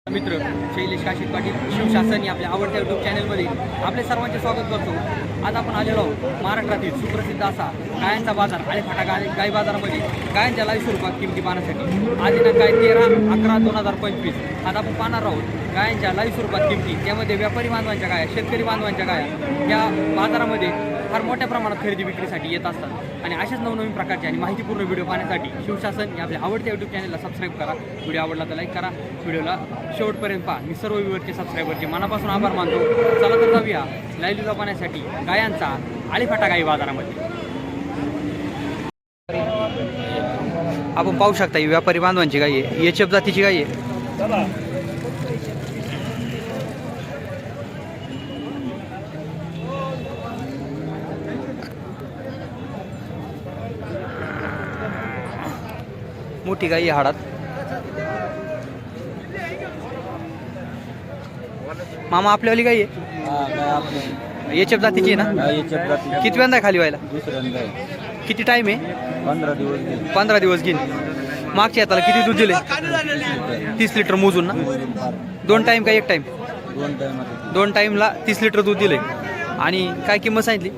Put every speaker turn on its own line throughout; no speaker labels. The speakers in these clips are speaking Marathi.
मित्र शैलेश काशीद पाटील शिवशासन या आपल्या आवडत्या यूट्यूब चॅनलमध्ये आपले सर्वांचे स्वागत करतो. आज आपण आलेलो आहोत महाराष्ट्रातील सुप्रसिद्ध असा गायांचा बाजार आणि फाटा गाय बाजारामध्ये गायांच्या लाईव्ह स्वरूपात किमती पाहण्यासाठी आज दिनांक आहे 13/11/2025. आज आपण पाहणार आहोत गायांच्या लाईव्ह स्वरूपात किमती, त्यामध्ये व्यापारी बांधवांच्या गाया, शेतकरी बांधवांच्या गाया या बाजारामध्ये फार मोठ्या प्रमाणात खरेदी विक्रीसाठी येत असतात. आणि अशाच नवनवीन प्रकारचे आणि माहितीपूर्ण व्हिडिओ पाहण्यासाठी शिवशासन या आपल्या आवडत्या यूट्यूब चॅनलला सबस्क्राईब करा. व्हिडिओ आवडला तर लाईक करा, व्हिडिओला शेवटपर्यंत पहा. मी सर्व व्ह्यूवरचे सबस्क्रायबरचे मनापासून आभार मानतो. चला तर जाऊया लाईव्ह पाहण्यासाठी गायांचा आळीफाटा गाई बाजारामध्ये. आपण पाहू शकता ही व्यापारी बांधवांची गाई आहे, एचएफ जातीची गाई आहे. मोठी गाई हाडात. मामा आपल्यावाली गाई आहे, एचएफ जातीची आहे ना? कितव्यांदा खाली व्हायला? किती टाइम आहे? 15 दिवस घेईन. मागच्या हाताला किती दूध दिले? 30 लिटर मोजून ना? 2 टाइम का 1 टाइम? 2 टाइमला 30 लिटर दूध दिले. आणि काय किंमत सांगितली?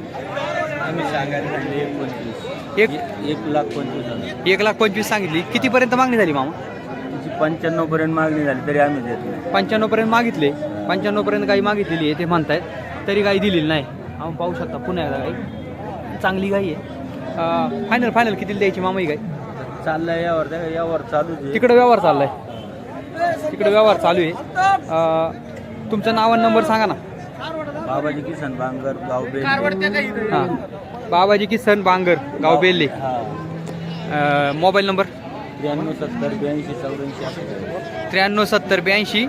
1,25,000 सांगितली. कितीपर्यंत मागणी झाली मामा?
95 पर्यंत मागणी झाली तरी आम्ही देत नाही.
95 पर्यंत मागितले. 95 पर्यंत गाई मागितलेली आहे ते म्हणतायत, तरी गाई दिलेली नाही. आपण पाहू शकता पुण्याला गाई चांगली गाई आहे. फायनल किती द्यायची मामा ही गाई?
चाललंय यावर चालू आहे.
तिकडे व्यवहार चालू आहे. तुमचं नाव आणि नंबर सांगा ना.
बाबाजी किसन बांगर गाव बेल.
हां, बाबाजी किसन बांगर गाव बेल्ले. Mobile number
93
70 82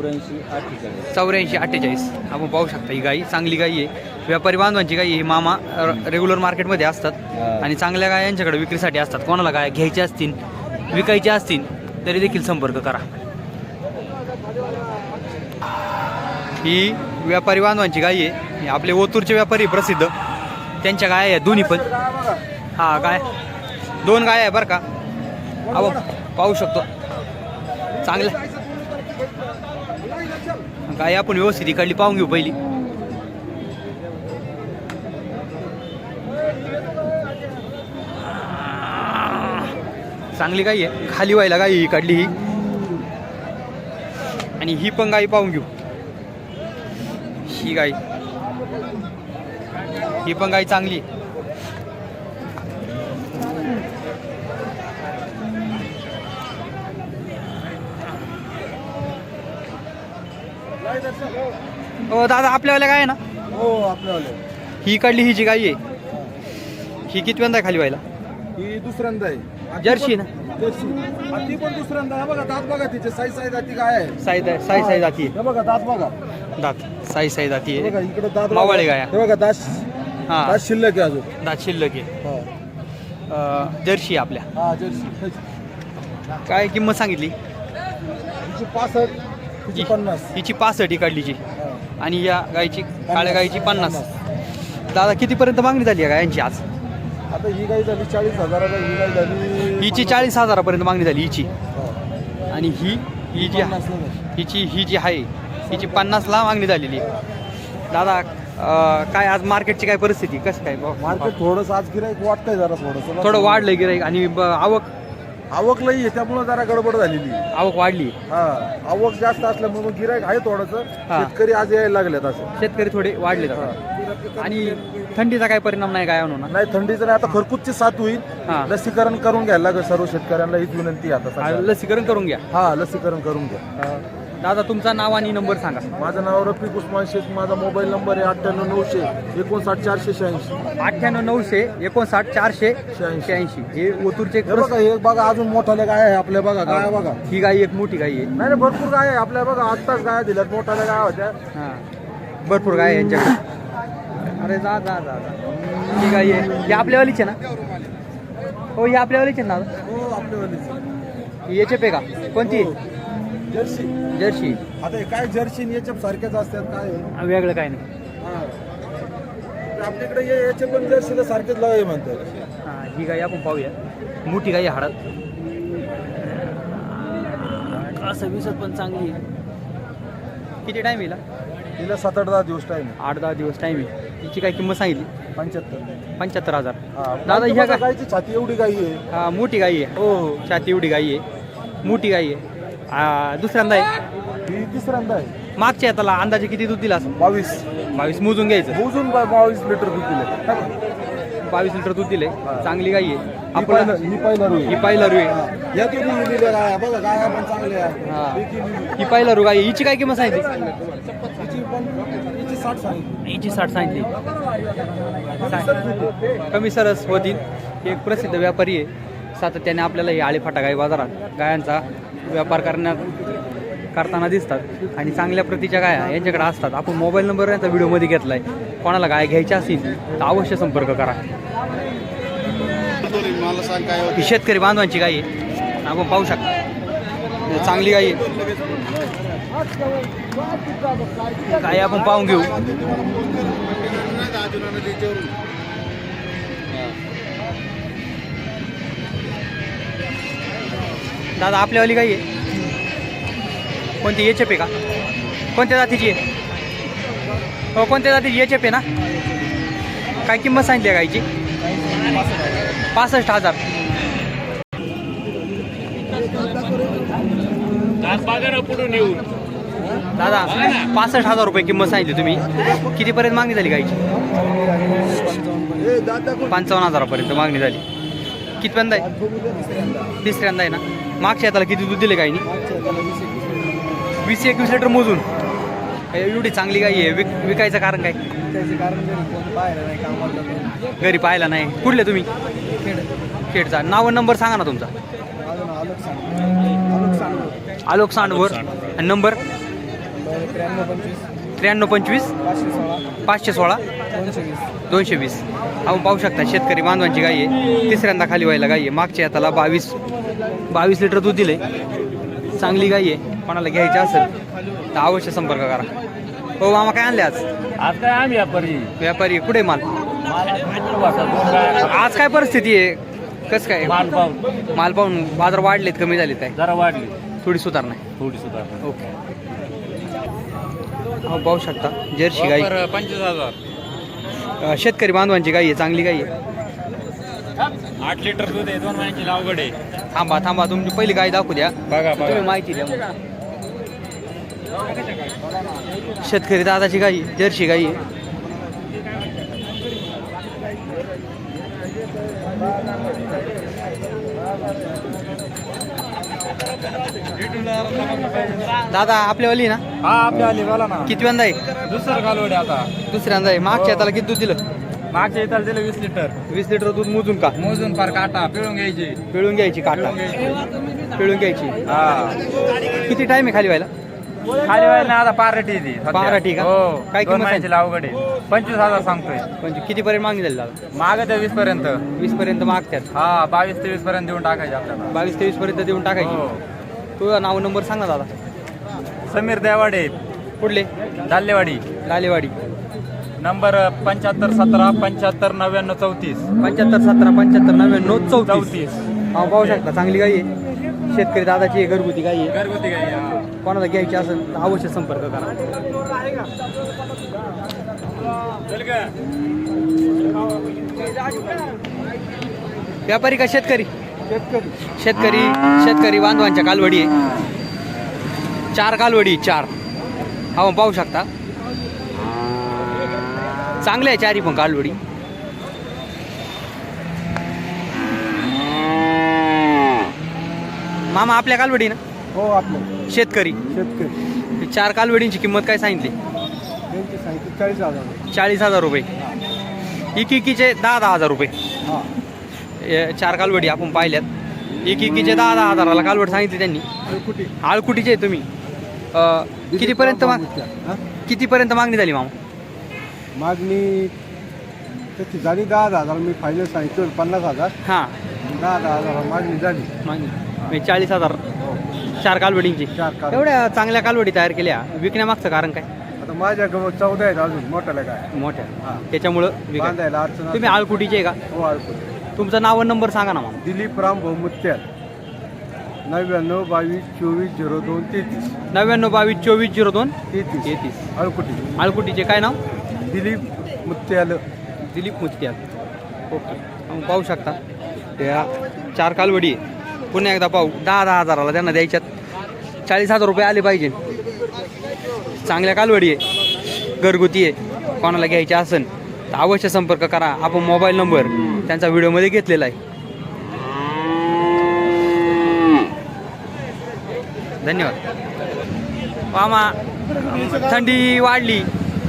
84 48. आपण पाहू शकता ही गाई चांगली गाई आहे, व्यापारी बांधवांची गाई. ही मामा रेग्युलर मार्केटमध्ये असतात आणि चांगल्या गाय यांच्याकडे विक्रीसाठी असतात. कोणाला गाय घ्यायच्या असतील, विकायच्या असतील तरी देखील संपर्क करा. ही व्यापारी बांधवांची गाई आहे. हे आपले ओतूरचे व्यापारी प्रसिद्ध, त्यांच्या गाय आहेत दोन्ही पण. हा गाय 2 गाय आहे बरं का. आपण पाहू शकतो चांगलं गाय. आपण व्यवस्थित इकडली पाहून घेऊ पहिली. चांगली गाई आहे, खाली व्हायला गाई ही काढली ही. आणि ही पण गाई पाहून घेऊ. ही गाई, ही पण गाई चांगली. हो दादा आपल्यावाल्या गाय आहे ना?
हो आपल्यावाले.
ही काढली ही जी गाई आहे ही कितव्यांदा खाली व्हायला?
ही दुसऱ्यांदा आहे.
जर्सी ना?
जर्सी. ती पण दुसऱ्यांदा आहे. बघा दात बघा तिचे साई जाती गाय आहे.
साई जाती आहे.
हे बघा दात बघा.
दात साई जाती
बघा
आहे.
इकडे दात
मावळे गाया.
हे बघा दात.
हा
दात शिल्लक आहे अजून.
दात शिल्लक आहे.
हा.
जर्सी आपल्या.
हा जर्सी.
काय किंमत सांगितली?
हिची 65, हिची 50.
हिची 65 ही काढलीची.
हा.
आणि या गायची, काळ्या गायची 50. दादा कितीपर्यंत मागणी झाली आहे गायांची आज?
आता ही गाय झाली 40,000. ही गाय झाली
हिची 40,000 मागणी झाली हिची.
हा.
आणि ही जी
50 ला.
ही जी आहे हिची 50ला मागणी झालेली. दादा काय आज मार्केटची काय परिस्थिती कसं काय?
मार्केट थोडंसं आज गिराईक वाटतंय जरा
थोडं वाढलंय गिराईक. आणि
आवक लई आहे त्यामुळे जरा गडबड झालेली.
आवक वाढली.
हा आवक जास्त असल्यामुळे गिराईक आहे थोडंसं.
हा.
शेतकरी आज यायला लागलेत असं.
शेतकरी थोडे वाढले जातात. आणि थंडीचा काय परिणाम नाही काय होणार?
नाही थंडीचं नाही. आता खरकुतची साथ होईल.
हा.
लसीकरण करून घ्यायला लागेल सर्व शेतकऱ्यांना, हीच विनंती आहे आता सध्या.
लसीकरण करून घ्या.
हा लसीकरण करून घ्या.
दादा तुमचा नाव आणि नंबर सांगा.
माझं नाव रफिक उस्मान शेख. माझा मोबाईल नंबर आहे 98 900 59 486.
98 900 59 486. हे ओतूरचे
हे बघा हे बघा अजून मोठाल्या गाय आहे आपल्या. बघा गाय बघा.
ही गाय एक मोठी गाय आहे.
नाही भरपूर गाय आहे आपल्या. बघा आत्ताच गाय दिल्यात. मोठाल्या गाय होत्या.
हां भरपूर गाय आहे यांच्याकडे. अरे जा जा जा जा. ही गाय आहे. ही आपल्यावालीच आहे ना? हो ही आपल्यावालीच आहे ना दादा?
हो आपल्यावालीच.
ही एचएफ आहे का? कोणती?
जर्सी.
जर्सी.
आता हे काय जर्सी आणि याच्या सारख्याच असतात काय?
वेगळं काय नाही.
आपल्याकडे याचे पण जर्सीला सारखेच लावावे म्हणतात.
ही गाय आपण पाहूया. मोठी गाय हाडात असं विसत पण चांगली आहे. किती टाईम येईल
तिला 7-8 दिवस टाईम आहे.
8-10 दिवस टाईम आहे. हिची काय किंमत सांगितली
75.
75,000.
हा
दादा ह्या काय
गायची छाती एवढी गाई आहे.
हा, मोठी गाई आहे.
हो हो.
छाती एवढी गाई आहे, मोठी गाई आहे. दुसऱ्यांदा आहे.
ही तिसऱ्यांदा आहे.
मागच्या त्याला अंदाजे किती दूध दिला असं? 22 मोजून घ्यायचं.
मोजून 22 लिटर दूध दिले.
22 लिटर दूध दिले. चांगली गाई आहे.
ही पहिलं
ही पहिला रू आहे.
या तुम्ही दिलेल्या गाया बघा, गाया पण चांगल्या आहे.
हा, ही पहिला रू गाई आहे. हिची काय किंमत सांगितली?
हिची 60 सांगितली.
हिची 60 सांगितली. कमी सरस होतील. हे एक प्रसिद्ध व्यापारी आहे. सातत्याने आपल्याला हे आळेफाटा गाई बाजारात गायांचा व्यापार करताना दिसतात आणि चांगल्या प्रतीच्या गाया यांच्याकडे असतात. आपण मोबाईल नंबर यांचा व्हिडिओमध्ये घेतला आहे. कोणाला गाय घ्यायच्या असतील तर अवश्य संपर्क करा. ही शेतकरी बांधवांची गाय आहे, आपण पाहू शकता. चांगली गाय आहे. गाय आपण पाहून घेऊ. दादा आपल्यावाली गाय आहे कोणती? एच एफ आहे का? कोणत्या जातीची आहे? हो, कोणत्या जातीची? एच एफ आहे ना? काय किंमत सांगितली आहे गायची? 65,000. दादा 65,000 रुपये किंमत सांगितली तुम्ही. कितीपर्यंत मागणी झाली गायची? 55,000पर्यंत मागणी झाली. कितव्यांदा आहे? तिसऱ्यांदा आहे ना? मागच्या त्याला किती दूध दिले गायनी? 20-21 लिटर मोजून. एवढी चांगली गाई आहे. विकायचं कारण काय? घरी पाहायला नाही. कुठले तुम्ही? खेडचा. नाव नंबर सांगा ना तुमचा. आलोक सांडवर. आणि नंबर 9325 516 220. आपण पाहू शकता शेतकरी बांधवांची गाई आहे. तिसऱ्यांदा खाली व्हायला गाई आहे. मागच्या त्याला 22 लिटर दूध दिले. चांगली गाई आहे. कोणाला घ्यायची असेल तर अवश्य संपर्क करा. हो मामा, काय आणले आज?
आज काय आम्ही
व्यापारी कुठे माल? आज काय परिस्थिती आहे? कसं काय माल पाहून बाजार वाढलेत कमी झालेत काय?
जरा वाढली,
थोडी सुधारणा आहे.
थोडी सुद्धा.
ओके. हो पाहू शकता जर्सी गाई
25,000.
शेतकरी बांधवांची गाई आहे. चांगली गाई आहे.
8 लिटर दूध आहे. 2 महिन्याची लावगड आहे.
थांबा तुमची पहिली गाय दाखवू द्या.
बघा
तुम्ही माहिती द्या मग. शेतकरी दादाची गाई जर्सी गाई आहे. दादा आपल्यावाली ना?
हा आपल्या आली बोला ना.
कितव्यांदा आहे?
दुसरं कालवडे आता.
दुसऱ्यांदा आहे. मागच्या त्याला किती दूध दिलं?
मागच्या इथं दिलं 20 लिटर.
20 लिटर दूध मोजून का?
मोजून फार काटा पिळून घ्यायची.
पिळून घ्यायची काटा. पिळून घ्यायची.
हा.
किती टाइम आहे खाली व्हायला?
खाली व्हायला आता पार्टी ती.
पार्टी का?
हो.
काय
काय
किंमत
महिन्याची लावगड आहे. 25,000 सांगतोय.
म्हणजे कितीपर्यंत मागणी झाली दादा?
मागत 20 पर्यंत.
20 पर्यंत मागतात.
हा 22-23 पर्यंत देऊन टाकायचे आपल्याला.
22-23 पर्यंत देऊन टाकायची.
हो.
तुझं नाव नंबर सांग ना दादा.
समीर देवाडे,
कुठले?
दाल्लेवाडी.
लालेवाडी.
नंबर 7517 75 99 34.
75 17 75 99 34.
34.
हा पाहू शकता चांगली गाई आहे. शेतकरी दादाची आहे. घरगुती गाई आहे.
घरगुती गाई. हा.
कोणाला घ्यायची असेल तर अवश्य संपर्क करा. व्यापारी का शेतकरी? शेतकरी बांधवांच्या कालवडी आहे. 4 कालवडी 4. हा पाहू शकता चांगल्या आहे 4ही पण कालवडी. मामा आपल्या कालवडी ना?
हो आपलं
शेतकरी. 4 कालवडींची किंमत काय सांगितली?
त्यांची सांगितली 40,000.
40,000 रुपये. इकीचे 10,000 रुपये.
हा
4 कालवडी आपण पाहिल्यात. इकीचे 10,000 कालवड सांगितली त्यांनी. आळकुटीचे आहे तुम्ही. कितीपर्यंत मागणी झाली मामा?
मागणी त्याची झाली 10,000. मी फायनल सांगितलं 50,000.
हां
10,000 मागणी झाली.
मागणी 40,000 4 कालवडींची.
4 काल.
एवढ्या चांगल्या कालवडी तयार केल्या. विकण्यामागचं कारण काय?
आता माझ्या गवत 14 आहेत अजून मोठ्याला काय.
मोठ्या
हा.
त्याच्यामुळं विकाय.
बांधायला अडचण.
तुम्ही आळकुटीचे आहे का?
हो आळकुटी.
तुमचं नाव आणि नंबर सांगा ना मामा.
दिलीप राम भाऊ मुत्याल. 99 22 24 02 33
99 22 24 02
33
33.
अळकुटी
आळकुटीचे काय नाव?
दिलीप मुत्याल.
दिलीप मुत्याल. ओके, आपण पाहू शकता त्या 4 कालवडी आहे. पुन्हा एकदा पाहू. 10-10 हजाराला त्यांना द्यायच्यात. 40,000 रुपये आले पाहिजे. चांगल्या कालवडी आहे, घरगुती आहे. कोणाला घ्यायचे असेल तर अवश्य संपर्क करा. आपण मोबाईल नंबर त्यांचा व्हिडिओमध्ये घेतलेला आहे. धन्यवाद. मामा, थंडी वाढली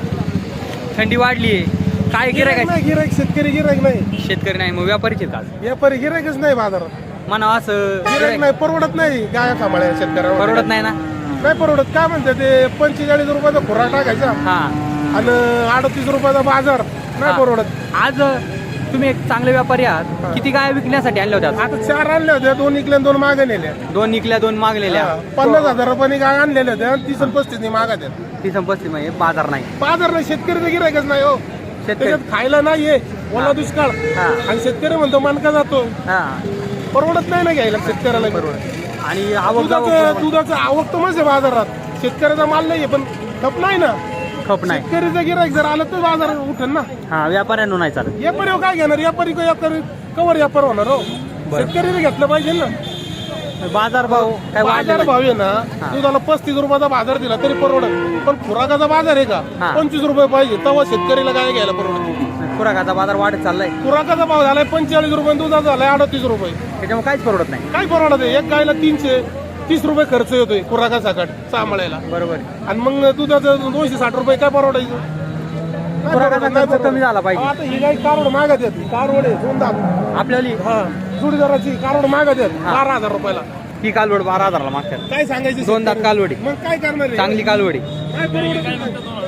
आहे. काय गिरायक आहे?
गिरायक शेतकरी गिरायक नाही,
शेतकरी नाही, मग व्यापारीचे का?
व्यापारी गिरायकच नाही बाजारात.
म्हणा असं
गिरायक नाही, परवडत नाही. गाया सांभाळायला शेतकऱ्याला
परवडत नाही ना.
नाही परवडत. काय म्हणते ते 45 रुपयाचा खुराक टाकायचा
हा,
आणि 38 रुपयाचा बाजार. नाही
हा.
परवडत.
आज तुम्ही एक चांगले व्यापारी आहात. किती गाय विकण्यासाठी आणल्या होत्या?
आता 4 आणल्या होत्या, 2 इकल्या 2 मागे नेल्या.
2 निकल्या 2 मागलेल्या.
50,000 रुपयाने गाय आणलेल्या होत्या, 30 आणि 35 मागत आहेत.
ती संपत्ती म्हणजे बाजार नाही.
बाजार नाही, शेतकरी गिरायकच नाही हो.
शेतकरी
त्याच्यात खायला नाहीये, ओला दुष्काळ.
हा.
आणि शेतकरी म्हणतो मनका जातो.
हा,
परवडत नाही ना घ्यायला शेतकऱ्याला.
आणि आवक
दुधाचं आवक तर म्हणजे बाजारात शेतकऱ्याचा माल नाहीये, पण खप नाही ना.
खप नाही.
शेतकरीचं गिरायक जर आलं तर बाजार उठन ना.
हा, व्यापाऱ्यांना नाही चालत.
व्यापारी काय घेणार? व्यापारी कवर व्यापार होणार हो. शेतकरीने घेतलं पाहिजे ना.
बाजार भाव काय
बाजार
वाढले?
भाव आहे ना,
हा.
दुधाला 35 रुपयाचा बाजार दिला तरी परवडत. पण खुराकाचा बाजार आहे का?
हा.
25 रुपये पाहिजे, तेव्हा शेतकरीला काय घ्यायला परवडत.
खुराकाचा बाजार वाढत चाललाय.
खुराकाचा भाव झालाय 45 रुपये, दुधाचा झालाय 38 रुपये.
त्याच्यामुळे काहीच परवडत नाही.
काय परवडत आहे? एक गायला 330 रुपये खर्च येतोय खुराकासकट सांभाळायला.
बरोबर.
आणि मग दुधाचं 260 रुपये काय परवडायचं? काय
खुराकाचा
परवडत? नाही
खर्च कमी
परवडत.
झाला पाहिजे.
आता ही गाय कारोड मागत आहेत. कारोड आहे, 2 दात.
आपल्याली
हा, जुडीदाराची कारोड मागत आहेत
हा.
12,000 रुपयाला.
ही कालवड 12,000ला मागतात.
काय सांगायचं?
2 दात कालवडी,
मग काय करणार आहे?
चांगली कालवडी.
काय परवडत नाही.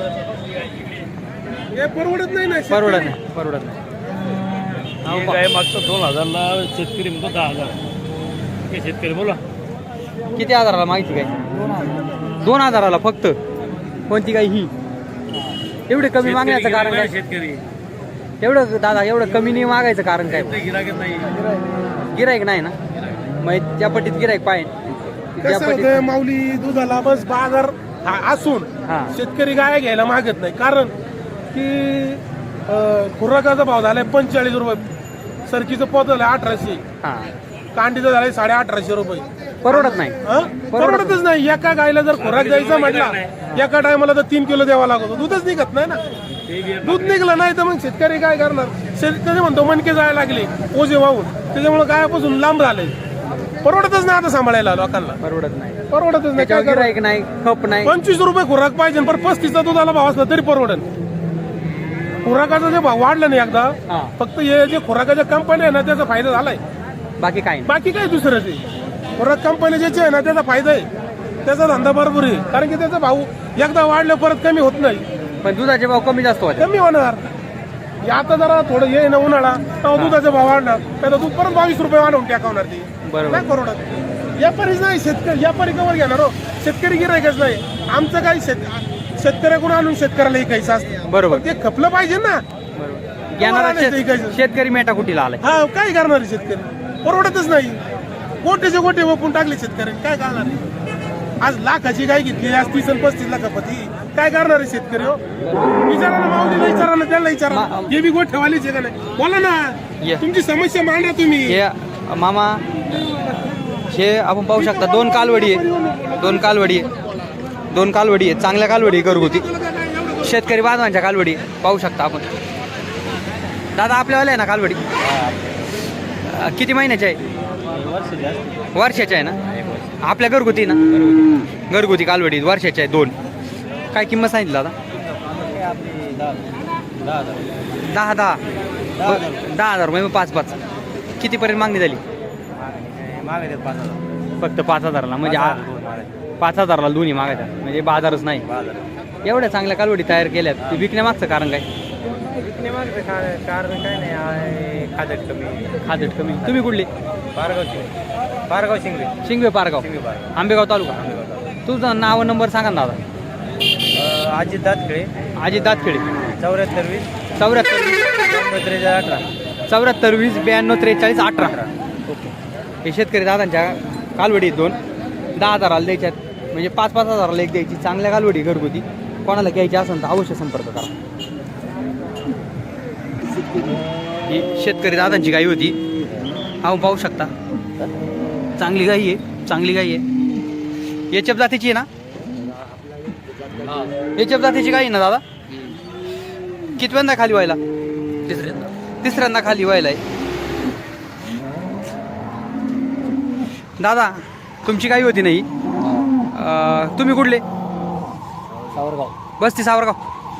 हे परवडत नाही ना.
परवडत नाही, परवडत नाही.
काय मागतो 2,000ला, शेतकरी म्हणतो 10,000. हे शेतकरी बोला
किती हजाराला माहिती काय? 2,000ला फक्त. कोणती काय ही? एवढे कमी मागण्याचं कारण काय?
शेतकरी
एवढं दादा, एवढं कमी नाही मागायचं कारण काय?
गिरायक नाही.
गिरायक नाही ना, मग त्या पट्टीत गिरायक पाहिजे. त्या
कसं
पट्टीत
होतं माऊली, दुधाला बस बाजार असून
हा.
शेतकरी गाय घ्यायला मागत नाही. कारण की खुराकाचा भाव झालाय 45 रुपये, सरकीचं पोत झालंय 1800,
हा,
कांडीचं झालंय 1850 रुपये.
परवडत नाही.
हं? परवडतच नाही. एका गायला जर खुराक द्यायचा म्हटला, एका टायमाला तर 3 किलो द्यावा लागतो. दूधच निघत नाही ना. दूध निघलं नाही तर मग शेतकरी काय करणार? शेतकरी म्हणतो मणके जायला लागले ओझे वाहून, त्याच्यामुळे गायापासून लांब झालंय. परवडतच नाही आता सांभाळायला लोकांना.
परवडत नाही.
परवडतच नाही. काय
त्याच्यावर
करणार?
गिरायक नाही, खप नाही.
25 रुपये खुराक पाहिजे, पण 35चा दुधाला भाव असला तरी परवडन. खुराकाचा जे भाव वाढला नाही एकदा,
हा.
फक्त हे जे खुराकाच्या कंपन्या आहे ना त्याचा फायदा झालाय.
बाकी काय नाही.
बाकी काय दुसरं ते खुराक कंपन्या ज्याचे आहे ना त्याचा फायदा आहे, त्याचा धंदा बरोबर आहे. कारण की त्याचा भाव एकदा वाढलं परत कमी होत नाही.
पण दुधाचे भाव कमी जास्त होते.
कमी होणार. हे आता जरा थोडं हे ना उन्हाळा, तेव्हा दुधाचा भाव वाढणार, त्याचा दूध परत 22 रुपये वाढवून टाकवणार ते.
बरोबर.
नाही परवडत. व्यापारीच नाही, शेतकरी. व्यापारी कवर घेणार हो, शेतकरी गिरायकच नाही. आमचं काही शेतकऱ्याकडून आणून शेतकऱ्याला विकायचं असतं.
बरोबर.
पण ते खपलं पाहिजे ना.
बरोबर. घेणारा शेतकरी मेटा कुटीला आलाय.
हा, काय करणार आहे शेतकरी? परवडतच नाही. गोटेचे गोटे वपून टाकले शेतकरी, काय करणार आहे? आज लाखाची गाय घेतली, आज 30 आणि 35 लाखापती. काय करणार आहे शेतकरी हो? विचारा ना माऊलीला, विचारा ना, त्याला विचारा. हे बी गोठेवालीच आहे का नाही? बोला ना, तुमची समस्या मांडा तुम्ही.
हे मामा, हे आपण पाहू शकता 2 कालवडी आहे. 2 कालवडी आहे. 2 कालवडी आहे. चांगल्या कालवडी आहे, घरगुती शेतकरी बांधवांच्या कालवडी पाहू शकता आपण. दादा आपल्यावाल्या आहे ना कालवडी? किती महिन्याच्या आहे? वर्षाच्या आहे ना? आपल्या घरगुती ना? घरगुती कालवडी वर्षाच्या आहे 2. काय किंमत सांगितली दादा? 10,000 रुपये. 5-5 कितीपर्यंत मागणी झाली? फक्त 5,000ला. म्हणजे 5,000ला दोन्ही मागायच्या, म्हणजे बाजारच नाही. एवढ्या चांगल्या कालवडी तयार केल्यात, ते विकण्यामागचं कारण काय?
विकण्यामागचं कारण काय नाही,
खादट कमी. तुम्ही कुठले?
पारगाव
शिंगवे पारगाव, आंबेगाव तालुका. तुझं नाव नंबर सांगा ना दादा.
अजित दातखेळे.
अजित दातखेळे.
74
74 20 92 43 18. ओके. हे शेतकरी दादांच्या कालवडी आहेत 2 10,000ला द्यायच्यात म्हणजे 5-5 हजाराला एक द्यायची. चांगल्या कालवडी घरगुती कोणाला घ्यायची असेल तर अवश्य संपर्क करा. ही शेतकरी दादांची गाई होती. हा पाहू शकता चांगली गाई आहे, चांगली गाई आहे. एचएफ जातीची आहे ना? एचएफ जातीची गाई आहे ना दादा? कितव्यांदा खाली व्हायला? तिसऱ्यांदा खाली व्हायला आहे. दादा तुमची गाई होती नाही? तुम्ही कुठले?
सावरगाव.
बस्ती सावरगाव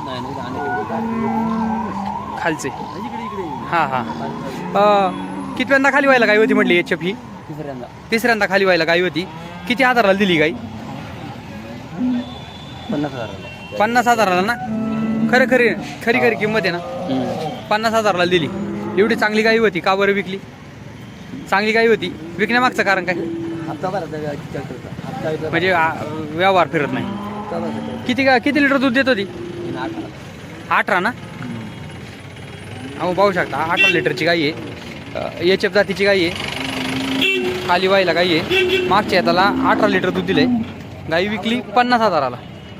खालचे. हां हां. कितव्यांदा खाली व्हायला गाई होती म्हटली एचएफ ही? तिसऱ्यांदा खाली व्हायला गाई होती. किती हजाराला दिली गाई?
50,000.
50,000ला ना? खरी किंमत आहे ना? 50,000ला दिली. एवढी चांगली गाई होती, का बरं विकली? चांगली गाई होती, विकण्यामागचं कारण काय? म्हणजे व्यवहार फिरत नाही. किती लिटर दूध देत होती? 18 ना? अहो पाहू शकता 18 लिटरची गाई आहे. एचएफ जातीची गाई आहे, खाली व्हायला गाई आहे. मागच्या याला 18 लिटर दूध दिलंय. गाई विकली 50,000ला.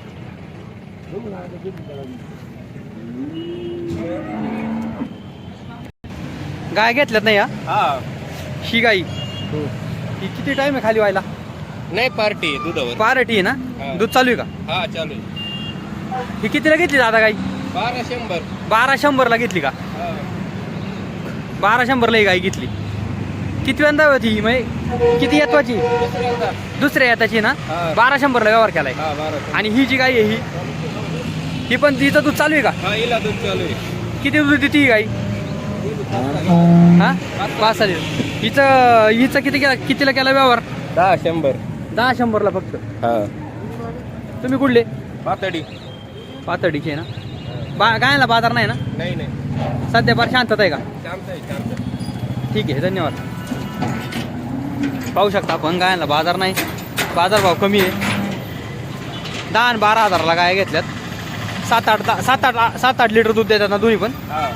गाय घेतल्यात नाही ही गाई? ही किती टाइम आहे खाली व्हायला?
नाही पार्टी दुधावर.
पार्टी आहे ना? दूध चालू आहे का?
हा चालू.
ही कितीला घेतली दादा गाई?
1200.
ला घेतली का? 1200ला ही गाई घेतली. कितव्यांदा होती म्हणजे किती येतवाची? दुसऱ्या येताची ना? 1200ला व्यवहार केलाय. आणि ही जी गाई आहे ही पण तिचं दूध चालू आहे का?
दूध चालू आहे.
किती दूध देते ही गाई? हा 5 लिटर. हिचं कितीला केला व्यवहार? 10-100ला फक्त. तुम्ही कुठले? पातळीचे ना? गायला बाजार नाही ना?
नाही
सध्या फार शांतता आहे का?
शांत.
ठीक आहे, धन्यवाद. पाहू शकता आपण गायला बाजार नाही, बाजारभाव कमी आहे. 10 आणि 12 हजाराला गाय घेतल्यात. 7-8 लिटर दूध देतात ना दोन्ही पण?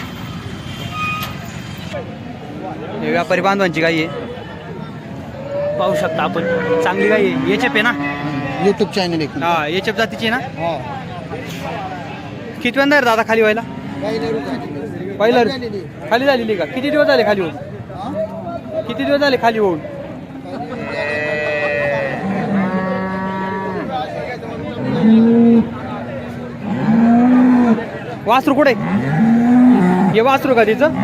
हे व्यापारी बांधवांची गाई आहे, पाहू शकता आपण. चांगली गाई आहे. एचएफ आहे ना?
यूट्यूब चॅनल एक.
हा एचएफ जातीची ना? कितव्यांदा आहे दादा खाली व्हायला? पहिला खाली झालेली का? किती दिवस झाले खाली होऊन? खाली होऊन? वासरू कुठे? हे वासरू का तिचं?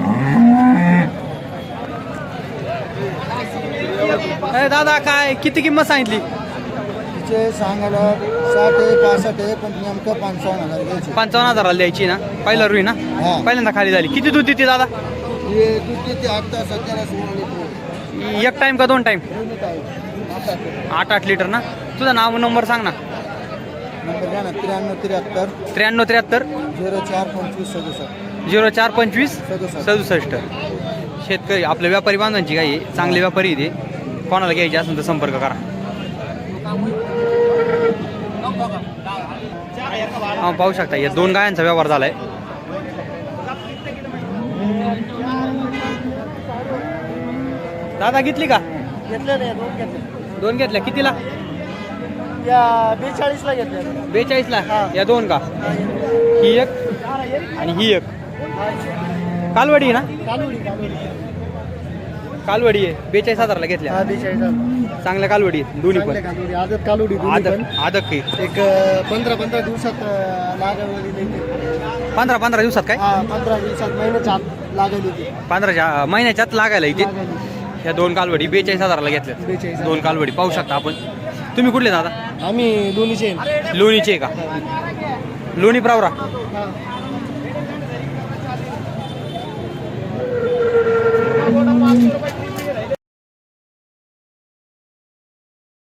दादा काय किती किंमत सांगितली?
तिचे सांगायला 60-65 आहे, पण नेमकं 55,000 घ्यायचे.
55,000ला द्यायची ना? पहिला रुई ना? पहिल्यांदा खाली झाली. किती दूध देते दादा?
हे दूध ते आता सध्याला 16 लिटर.
एक टाइम का 2 टाइम? 8 लिटर ना? तुझं नाव नंबर सांग ना.
नंबर घ्या ना. 93-73
93-73
04-25-67
04-25-67. शेतकरी आपल्या व्यापारी बांधवांची गाई आहे, चांगले व्यापारी इथे. कोणाला घ्यायचे असेल तर संपर्क करा. हा पाहू शकता या 2 गायांचा व्यवहार झालाय. दादा घेतली का?
घेतलं नाही,
2 घेतल्या. कितीला?
42ला घेतलं.
42ला या 2 का? ही एक आणि ही एक. कालवडी ना? कालवडी आहे. 42,000ला घेतल्या.
42,000
चांगल्या कालवडी आहेत दोन्ही पण.
आदत कालवडी
आदक काही
एक 15-15 दिवसात लागवडी.
15 दिवसात काय?
15 दिवसात महिन्याच्या आत लागवली ती.
15 महिन्याच्यात लागायला इथे. ह्या 2 कालवडी 42,000ला घेतल्यात.
42,000.
2 कालवडी पाहू शकता आपण. तुम्ही कुठले दादा?
आम्ही दोन्हीचे.
लोणीचे का? लोणी प्रावरा.